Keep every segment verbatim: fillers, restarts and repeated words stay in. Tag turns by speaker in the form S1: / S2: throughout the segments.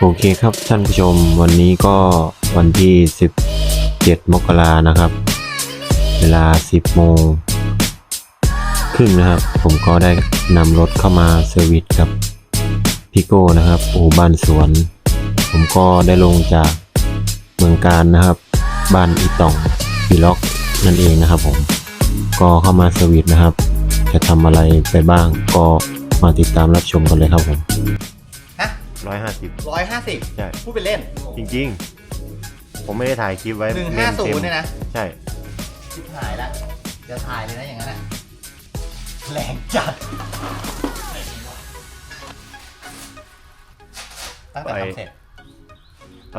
S1: โอเคครับท่านผู้ชมวันนี้ก็วันที่สิบเจ็ดมกรานะครับ เวลาสิบโมงครึ่งนะครับ ผมก็ได้นำรถเข้ามาเซอร์วิสกับพี่โก้นะครับอู่บ้านสวน ผมก็ได้ลงจากเมืองการนะครับ บ้านอีต่องปีล็อกนั่นเองนะครับผมก็เข้ามาเซอร์วิสนะครับจะทำอะไรไปบ้างก็มาติดตามรับชมกันเลยครับผม
S2: ฮะ
S1: ร้อยห้าสิบ
S2: ร้อยห้าสิบ
S1: ใช่
S2: พูดไปเล่น
S1: จริงๆผมไม่ได้ถ่ายคลิปไว้
S2: หนึ่งห้าศูนย์เนี่ยนะ
S1: ใช่
S2: คลิปถ่ายละจะถ่ายเลยนะอย่างนั้นอ่ะแรงจัดตั้งแต่ทำเสร็จ
S1: ไป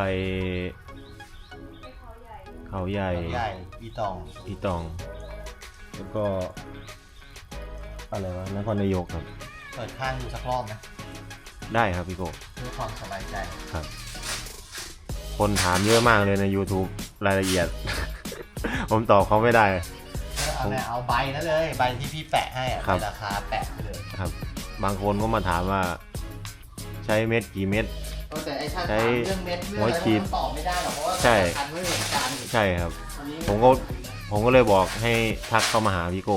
S1: เขาใหญ่
S2: ใหญ่อีตอง
S1: อีตองแล้วก็อะไรวะนครนายกครับ
S2: เปิดข้างดูสักรอบไหม
S1: ได้ครับพี่โก้
S2: เพื่อความสบายใจ
S1: ครับคนถามเยอะมากเลยใน YouTube รายละเอียด ผมตอบเขาไม่ได้
S2: เอาเนี่ยเอาใบนั่นเลยใบที่พี่แปะให้อะเป็นราคาแปะเลย
S1: ครับบางคนก็มาถามว่าใช้เม็ดกี่เม็ด
S2: แต่ไอ้ถ้าถามเรื่องเม็ดเรื่องอะไรมันตอบไม่ได้หรอกเพราะว่าคันไม่เหมือนกัน
S1: ใช่ครับผมก็ผมก็เลยบอกให้ทักเข้ามาหาพี่โก้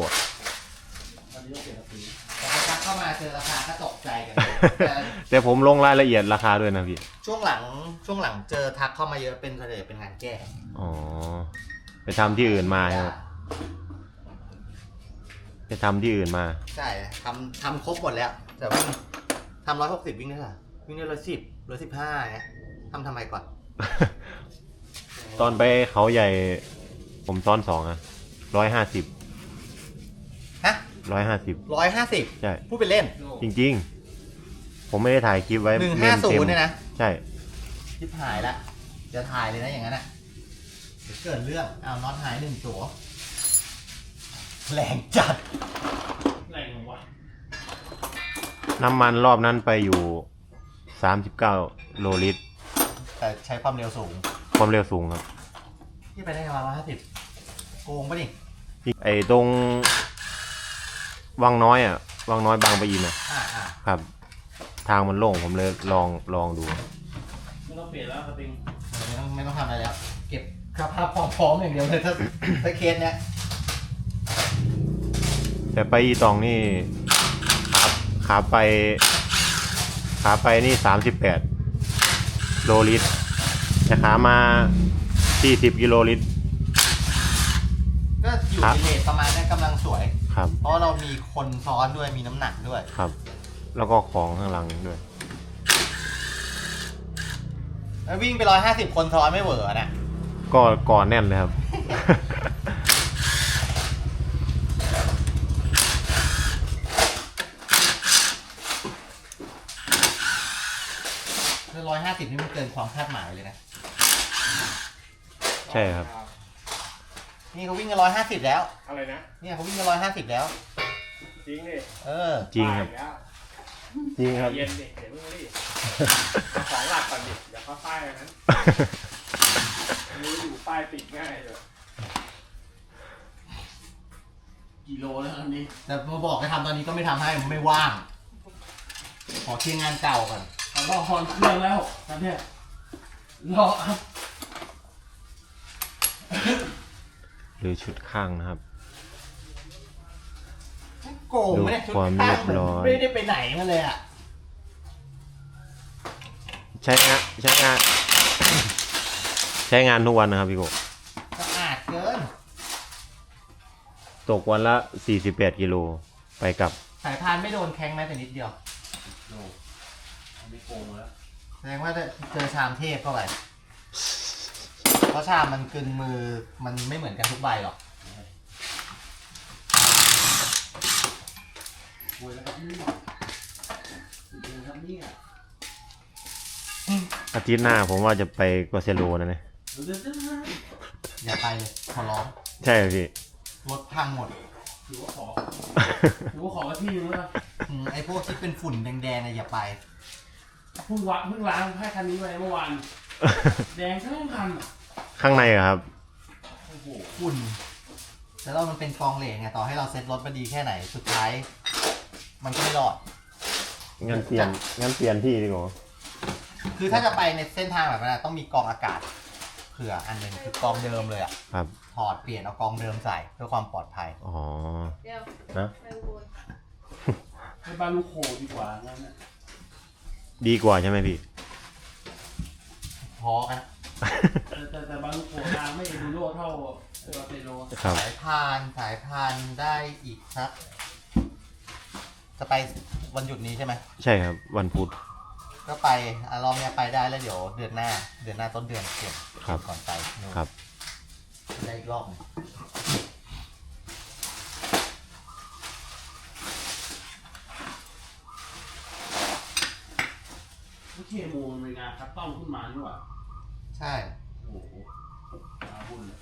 S2: แต่ทักเข้ามาเจอราคาก็ตกใจกัน
S1: แต่ผมลงรายละเอียดราคาด้วยนะพี่
S2: ช่วงหลังช่วงหลังเจอทักเข้ามาเยอะเป็นเฉลี่ยเป็นงานแก้
S1: อ๋อไปทำที่อื่นมาครับไปทำที่อื่นมา
S2: ใช่ทำทำครบหมดแล้วแต่ว่าทำร้อยหกสิบวิ่งได้เหรอวิ่งได้ร้อยสิบร้อยสิบห้าไงทำทำไมก่อน
S1: ตอนไปเขาใหญ่ผมซ้อนสองอะร้อยห้าสิบ
S2: ฮะ
S1: ร้อยห้าสิบ
S2: ร้อยห้าสิบ
S1: ใช่
S2: พูดไปเล่น
S1: จริงๆผมไม่ได้ถ่ายคลิปไว้
S2: หนึ่งห้าศูนย์เนี่ยนะ
S1: ใช่
S2: คลิปถ่ายละจะถ่ายเลยนะอย่างนั้นอ่ะเดี๋ยวเกิดเรื่องเอาน็อตหายหนึ่งตัวแรงจัด
S3: แรงวะ
S1: น้ำมันรอบนั้นไปอยู่สามสิบเก้าโลลิตร
S2: แต่ใช้ความเร็วสูง
S1: ความเร็วสูงครับ
S2: ที่ไปได้ประมาณร้อยห้าสิบโกงปะนี่
S1: ไอ้ตรงวังน้อยอ่ะวังน้อยบางปะอินอ่ะครับทางมันโล่งผมเลยลองลองดู
S3: ไม่ต้องเปลี่ยนแล้วสปริง
S2: ไม่ต้องไม่ต้องทำอะไรแล้วเก็บสภาพพร้อมๆอย่างเดียวเลยถ้าถ้าเคสเนี้ย
S1: แต่ไปอีตองนี่ขาขาไปขาไปนี่สามสิบแปดโลลิตรแต่ขามาสี่สิบกิโลลิตร
S2: ก็อยู่ในเลทประมาณนี้กำลังสวย
S1: ครับ
S2: เพราะเรามีคนซ้อนด้วยมีน้ำหนักด้วย
S1: ครับแล้วก็ของข้างหลังด้วย
S2: แล้ววิ่งไปร้อยห้าสิบคนซ้อนไม่เวอร์นะ
S1: ก็ก่อนแน่นเลยครับ
S2: ร้อยห้าสิบนี่มันเกินความคาดหมายเลยนะ
S1: ใช่ครับ
S2: นี่เขาวิ่งกันร้อยห้าสิบแล้ว
S3: อะไรนะ
S2: เนี่ยเขาวิ่งกันร้อยห้าสิบแล้ว
S3: จริงดิ
S2: เออ
S1: จริงครับจริงครับ
S3: เย็นดิเดี๋ยวเพิ่งรีบของหลักก่อนดิอย่าเข้าป้ายนั้นรู้อยู่ป้ายติดง่ายเลยกิโลแล้วอันนี้
S2: แต่มาบอกให้ทำตอนนี้ก็ไม่ทำให้มันไม่ว่างขอเคลียร์งานเก่าก่อน
S3: รอคอนเครื่องแล้วตอนนี้รอครับ
S1: หรือชุดข้างนะครับ
S2: โกงไม่ได้ชุดข้างไม่ได้ไปไหนมาเลยอ่ะ
S1: ใช้งานใช้งานใช้งานทุกวันนะครับพี่โก
S2: สะอาดเกิน
S1: ตกวันละสี่สิบแปดกิโลไปกับ
S2: สายพานไม่โดนแข้งแม้แต่นิดเดียวโดนไม่โกงแล้วแสดงว่าเจอชามเทพเข้าไปเพราะชามมันกึ่งมือมันไม่เหมือนกันทุกใบหรอก
S1: อาทิตย์หน้าผมว่าจะไปกวาเซโลนะเนี่ย
S2: อย่าไปเลยขอร้อง
S1: ใช่พี่
S2: รถพังหมด
S3: ถือว่าขอถือว่าขอมาที่นึงแล้ว
S2: ไอ้พวกที่เป็นฝุ่นแดงๆเนี่ยอย่าไป
S3: เพิ่งวะเพิ่งล้างให้คันนี้ไปเมื่อวานแดงทั้งคัน
S1: ข้างในครับ
S2: โอ้โหฝุ่นแล้วเรามันเป็นกองเหล็กไงต่อให้เราเซ็ตรถมาดีแค่ไหนสุดท้ายมันก็ไม่รอด
S1: งั้นเปลี่ยนงั้นเปลี่ยนที่ดีกว่า
S2: คือถ้าจะไปในเส้นทางแบบนั้นอะต้องมีกรองอากาศเผื่ออันหนึ่งคือกรองเดิมเลยอ่ะ
S1: ครับ
S2: ถอดเปลี่ยนเอากรองเดิมใส่เพื่อความปลอดภัย
S1: อ๋อ
S4: เดี๋ยว
S1: นะ
S4: ไปวน
S3: ให้บ้านลูกโคดีกว่างั้นนะ
S1: ดีกว่าใช่ไหมพี่
S2: พอกัน
S3: แต่แต่แต่บ้านลูกโคทางไม่เอ็นดูโรเท่าเออเปโล
S1: ครับ
S2: สายพานสายพานได้อีกสักจะไปวันหยุดนี้ใช่ไหม
S1: ใช่ครับ วันพุธ
S2: ก็ไปอารอบเนี้ยไปได้แล้วเดี๋ยวเดือนหน้า เดือนหน้าต้นเดือนเก็บ
S1: ครับ
S2: ก่อนไปนู่น
S1: ครับ
S2: ได้อีกรอบหนึ่ง
S3: ไม่เคโมมันเป็นงานคัสตอมขึ้นมานี่หว่า
S2: ใช่
S3: โอ้โหอาบุญเลย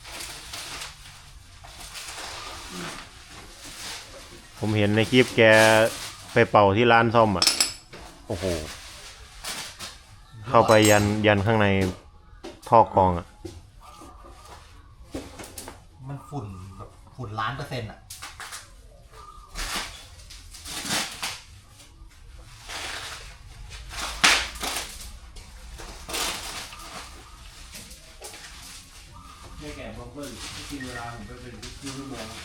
S1: ผมเห็นในคลิปแกไปเป่าที่ร้านซ่อมอ่ะ โอ้โห เข้าไปยันยันข้างในท่อกรองอ่ะ
S2: มันฝุ่นแบบฝุ่นล้านเปอร์เซ็นต์อ่ะ
S3: แค่แก่บัฟเฟิลที่กินเวลาผมไปเป็นครึ่งชั่วโมง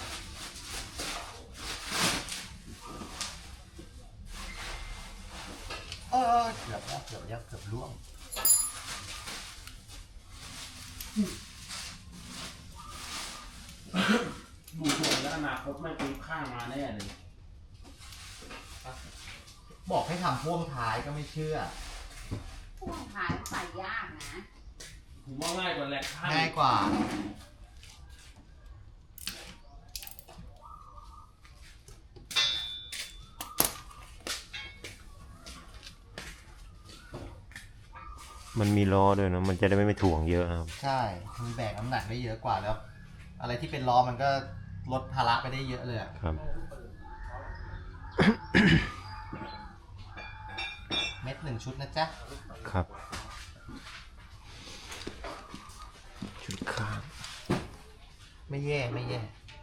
S2: เออเกือบแล้วเกือบแล้วเกือบล่วง
S3: ดูสวยแล้วอนาคตไม่ปีข้างมาแน่เลย
S2: บอกให้ทำพ่วงท้ายก็ไม่เชื่อ
S4: พ่วงท้ายใส่ยากนะ
S3: ผมว่าง่ายกว่าแหลกข้าง
S2: ง่ายกว่า
S1: มันมีล้อด้วยนะ มันจะได้ไม่ไม่ถ่วงเยอะครับ
S2: ใช่มันแบกน้ำหนักได้เยอะกว่าแล้ว อะไรที่เป็นล้อมันก็ลดภาระไปได้เยอะเลยอะ
S1: ครับ
S2: เม็ดหนึ่งชุดนะจ๊ะ
S1: ครับ ชุดข้าง
S2: ไม่แย่ไม่แย่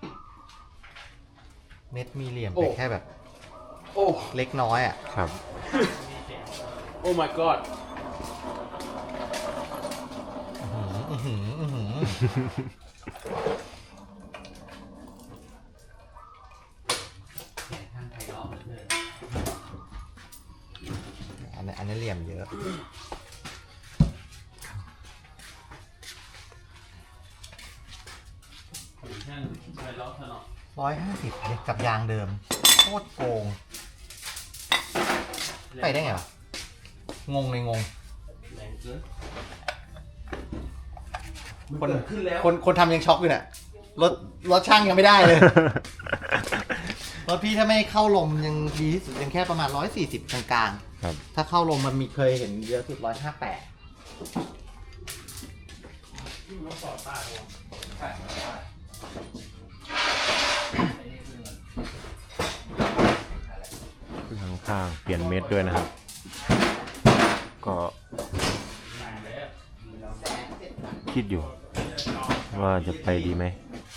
S2: เม็ดมีเหลี่ยมแต่แค่แบบ
S3: โอ้
S2: เล็กน้อยอ่ะ
S1: ครับ
S3: โอ้ my god
S2: อื้อหืออื้อหืออื้อหือท่านไทยล้อมเลยอันนี้อันนี้เหลี่ยมเยอะ
S3: ผมแค่ไปล้อถนอม
S2: ร้อยห้าสิบกับยางเดิม โคตรโกง ไปได้ไงวะงงเลยงง
S3: แรงเกิน
S2: คน
S3: เกิดขึ้นแล้ว
S2: คนคนทำยังช็อกอยู่เนี่ยรถรถช่างยังไม่ได้เลย รถพี่ถ้าไม่เข้าลมยังดีที่สุดยังแค่ประมาณร้อยสี่สิบกลาง
S1: ครับ
S2: ๆ ถ้าเข้าลมมันมีเคยเห็นเยอะสุดร้อยห้าแปด
S3: ยิ่งรถต่อต้านเลยใช่ใช่
S1: ข้างๆเปลี่ยนเม็ดด้วยนะครับ ก็
S3: แรงเลยอะ
S1: คิดอยู่ ว่าจะไปดีไหม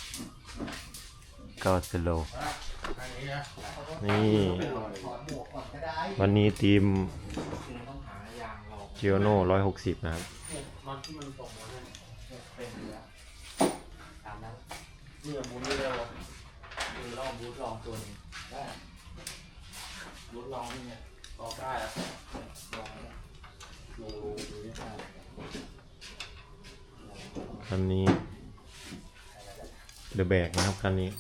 S1: ก็สโลว์
S3: อันนี้นะ
S1: นี่
S2: ถอดหมวกก่อนก็ได้
S1: วันนี้ทีม
S3: ต้องหายางรอง
S1: จิโอโน่ร้อยหกสิบนะครับ
S3: มันที่มันตกมาเนี่ยเป็นอยู่แล้ว
S2: ตามนั้น
S3: เนี่ยบูทไม่ได้หรอกคือลองบูทลองตัวหนึงได้บูทลองนี่เนี่ยลองได้อะลองเนี่ยดูดูนี่ได้
S1: คันนี้เดอะแบกนะครับคันนี้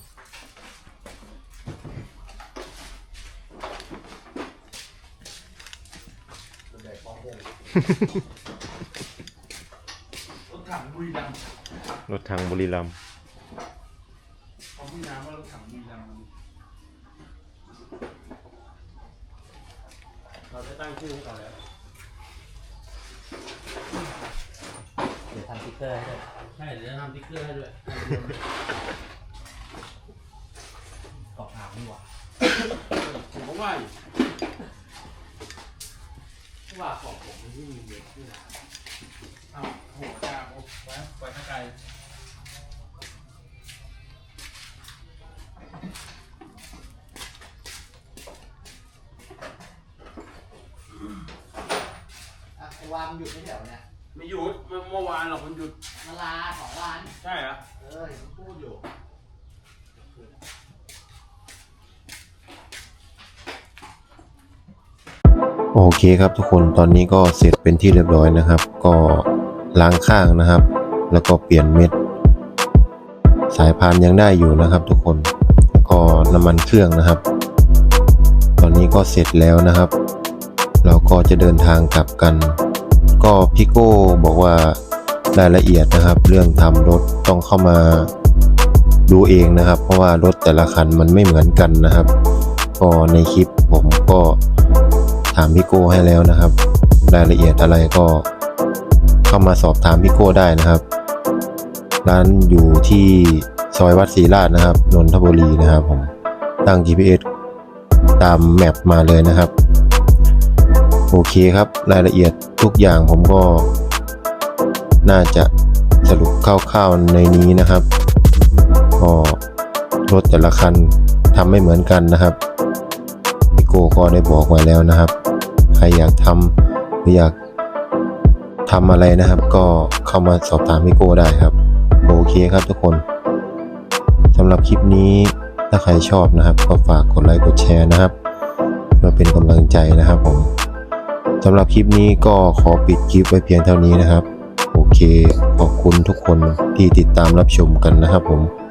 S3: รถถังบุรีรัมย์
S1: รถทางบุรีรัมย์
S3: เขาพี่น้ำว่ารถถังบุรีรัมย์มันเราได้ตั้งชื่อให้เขาแล้ว
S2: เดี๋ยวทำสติ๊กเกอร์ให้ด้วย
S3: ใช่เดี๋ยวจะทำติ๊กเกอร์ให้ด้วย
S2: กรอบถามนี่หว่า
S3: ผมก็ว่าอยู่ว่าของผมมันที่มีเยอะที่ไหนอ้าวโหจ้าโอ้ไว้ไว้ข้างไกล
S2: อ่ะไอ้ววันหยุดไม่เดี๋ยวเนี่ย
S3: ไม่หยุดเมื่อวานหรอกมันหยุด
S2: มาลาสองวัน
S3: ใช่เหรอ
S2: เออเห็นพูดอยู่
S1: โอเคครับทุกคนตอนนี้ก็เสร็จเป็นที่เรียบร้อยนะครับ ก็ล้างข้างนะครับ แล้วก็เปลี่ยนเม็ด สายพานยังได้อยู่นะครับ ทุกคนแล้วก็น้ำมันเครื่องนะครับ ตอนนี้ก็เสร็จแล้วนะครับ เราก็จะเดินทางกลับกัน ก็พี่โก้บอกว่ารายละเอียดนะครับ เรื่องทำรถต้องเข้ามาดูเองนะครับ เพราะว่ารถแต่ละคันมันไม่เหมือนกันนะครับ ก็ในคลิปผมก็ถามพี่โก้ให้แล้วนะครับ รายละเอียดอะไรก็เข้ามาสอบถามพี่โก้ได้นะครับ ร้านอยู่ที่ซอยวัดศรีราชนะครับนนทบุรีนะครับผมตั้ง จี พี เอส ตามแมปมาเลยนะครับโอเคครับรายละเอียดทุกอย่างผมก็น่าจะสรุปคร่าวๆในนี้นะครับก็รถแต่ละคันทำไม่เหมือนกันนะครับพี่โก้ก็ได้บอกไว้แล้วนะครับใครอยากทำหรืออยากทำอะไรนะครับก็เข้ามาสอบถามพี่โก้ได้ครับโอเคครับทุกคนสำหรับคลิปนี้ถ้าใครชอบนะครับก็ฝากกดไลค์กดแชร์นะครับเพื่อเป็นกำลังใจนะครับผมสำหรับคลิปนี้ก็ขอปิดคลิปไว้เพียงเท่านี้นะครับโอเคขอบคุณทุกคนที่ติดตามรับชมกันนะครับผม